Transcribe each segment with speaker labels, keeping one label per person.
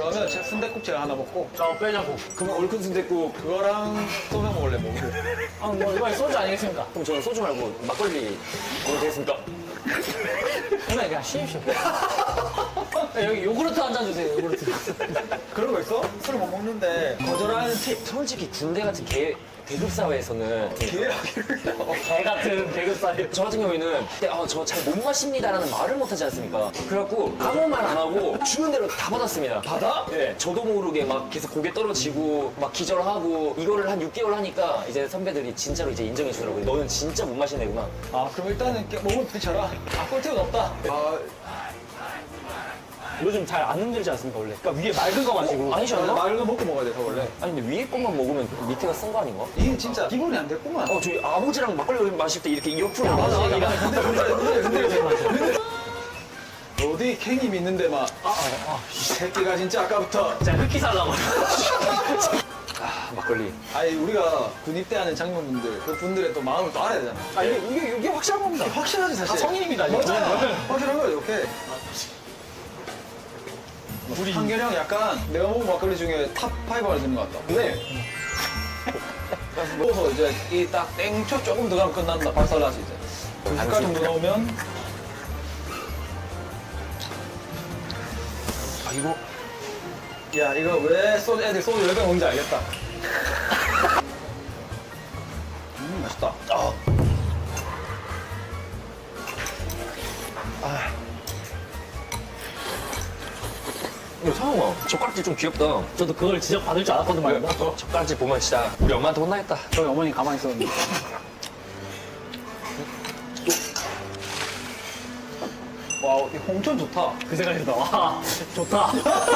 Speaker 1: 그러면 제가 순댓국 제가 하나 먹고
Speaker 2: 빼자고.
Speaker 3: 그러면 얼큰 순댓국.
Speaker 1: 그거랑 소맥 먹을래 먹고.
Speaker 2: 뭐 이번에 소주 아니겠습니까?
Speaker 3: 그럼 저는 소주 말고 막걸리 먹어도 되겠습니까?
Speaker 2: 오늘 그냥 쉬십시오. 여기 요구르트 한 잔 주세요. 요구르트.
Speaker 1: 그런 거 있어? 술 못 먹는데 거절하는 팁.
Speaker 3: 솔직히 군대 같은 계급 사회에서는
Speaker 1: 기회하기를.
Speaker 2: 개 같은 계급사회.
Speaker 3: 저 같은 경우에는 저 잘 못 마십니다라는 말을 못 하지 않습니까? 그래갖고 아무 말 안 하고 주는 대로 다 받았습니다.
Speaker 1: 받아?
Speaker 3: 네, 저도 모르게 막 계속 고개 떨어지고 막 기절하고 이거를 한 6개월 하니까 이제 선배들이 진짜로 이제 인정해 주더라고요. 너는 진짜 못 마시는 애구나.
Speaker 1: 아 그럼 일단은 몸을 부딪혀라. 꿀팁은 없다.
Speaker 2: 요즘 잘 안 흔들지 않습니까, 원래? 그러니까 위에 맑은 거 마시고.
Speaker 3: 아니지 않나?
Speaker 1: 말로 먹고 먹어야 돼서 원래.
Speaker 3: 아니 근데 위에 것만 먹으면 밑에가 쓴 거 아닌가?
Speaker 1: 이게 진짜 기본이 안 됐구만.
Speaker 3: 저희 아버지랑 막걸리 마실 때 이렇게 옆으로
Speaker 1: 맞아.
Speaker 3: 근데
Speaker 1: 어디 캥이 있는데 막. 이 새끼가 진짜 아까부터.
Speaker 2: 진짜 흑기 살라고.
Speaker 3: 막걸리.
Speaker 1: 아니 우리가 군입대하는 장병분들 그 분들의 또 마음을 또 알아야 되잖아.
Speaker 2: 이게 확실한 겁니다.
Speaker 1: 확실하지 사실.
Speaker 2: 다 성인입니다, 이거.
Speaker 1: 맞아. 확실한 거야 이렇게. 우리 한결형 약간 내가 먹은 막걸리 중에 탑 5 안에 드는 것 같다.
Speaker 3: 네.
Speaker 1: 먹어서 이제 이 딱 땡초 조금 들어가면 끝난다. 박살나지 이제. 그 색깔 정도 넣으면.
Speaker 3: 이거
Speaker 1: 야 이거 왜 애들 소주 10병 먹는지 알겠다. 맛있다.
Speaker 3: 이거 상황아 젓가락질 좀 귀엽다.
Speaker 2: 저도 그걸 지적받을 줄 알았거든 말이야.
Speaker 3: 젓가락질 보면 진짜 우리 엄마한테 혼나겠다.
Speaker 2: 저희 어머니 가만히 있었는데.
Speaker 1: 와, 이 홍천 좋다.
Speaker 2: 그 생각이 나. 와, 좋다.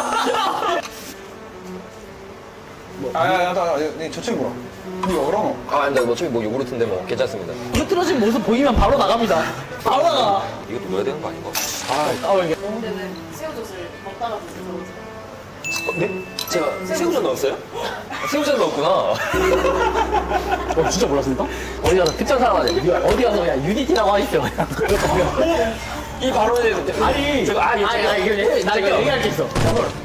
Speaker 1: 저쪽 뭐야? 이거 어려워.
Speaker 3: 근데 어차피 뭐 요구르트인데 뭐 괜찮습니다.
Speaker 2: 흐트러진 모습 보이면 바로 나갑니다. 바로 나가.
Speaker 3: 이것도 넣어야 되는 거 아닌가?
Speaker 2: 이게.
Speaker 4: 근데는 새우젓을 먹다가 드셔보세요.
Speaker 3: 네? 제가 새우젓 넣었어요? 새우젓 넣었구나.
Speaker 2: 진짜 몰랐습니까? 어디 가서 특전 사람한테 어디 가서 그냥 UDT라고 하십시오. 그냥.
Speaker 3: 이 발언에
Speaker 2: 아니,
Speaker 3: 제가
Speaker 2: 이게 나 이거 얘기할 게 있어.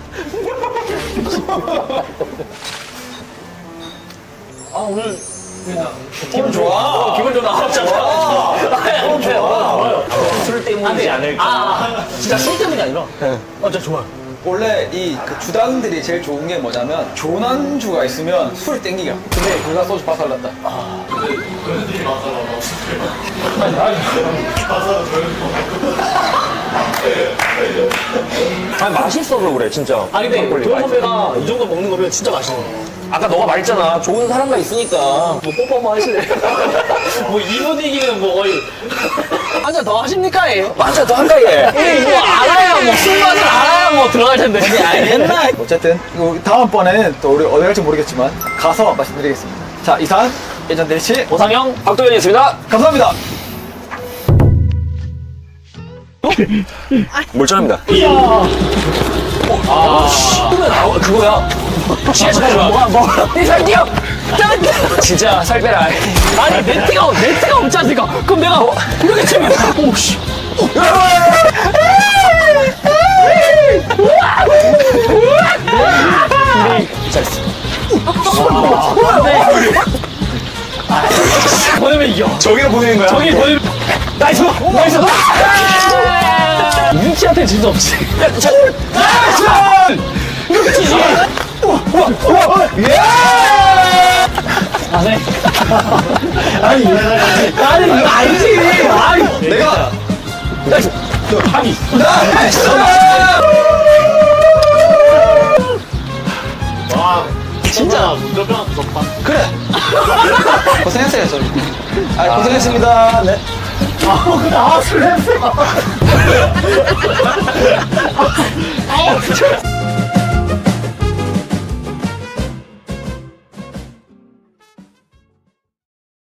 Speaker 2: 오늘
Speaker 1: 기분 좋아.
Speaker 2: 기분 좀 나왔잖아. 좋아요.
Speaker 3: 술 때문이지 않을까.
Speaker 2: 진짜 술 때문이 아니라. 진짜 좋아요.
Speaker 1: 원래 그 주당들이 제일 좋은 게 뭐냐면 좋은 안주가 있으면 술이 땡기가. 근데 그가 소주 박살났다.
Speaker 3: 맛있어서 그래 진짜.
Speaker 2: 근데
Speaker 3: 막걸리
Speaker 2: 도현
Speaker 3: 맛있어.
Speaker 2: 선배가 이 정도 먹는 거면 진짜 맛있는 거.
Speaker 3: 아까 너가 말했잖아. 좋은 사람과 있으니까.
Speaker 2: 뭐 뽀뽀 한번 하실래요? 뭐 이 분위기는 뭐 거의 한 잔 더 하십니까? 얘?
Speaker 3: 맞아, 너 한가 얘.
Speaker 2: 뭐 알아야 뭐 술맛을 알아야 뭐 들어갈 텐데.
Speaker 1: 알겠나? 어쨌든 이거 다음번에는 또 우리 어디 갈지 모르겠지만 가서 말씀드리겠습니다. 자 이상 예전 델치
Speaker 2: 오상영
Speaker 3: 박도현이었습니다.
Speaker 1: 감사합니다.
Speaker 3: 몰전합니다. 그거야. 취하지 마. 뭐가? 살 뛰어. 진짜 살 빼라.
Speaker 2: 아니 네트가 없지 않습니까? 그럼 내가 이렇게 치면 오씨.
Speaker 3: 잘했어.
Speaker 2: 보내면 이겨.
Speaker 3: 저기로 보내는 거야?
Speaker 2: 저기 보내면 나이스. 윤치한테 질 수 없지. 나이스. 이렇게 치지. 네. 아니 이거 아니지.
Speaker 1: 내가
Speaker 3: 나이스.
Speaker 2: 아니. 와 진짜 무조건 무섭다.
Speaker 1: 그래. 고생했어요 저희. 고생했습니다. 네.
Speaker 2: 술 냄새.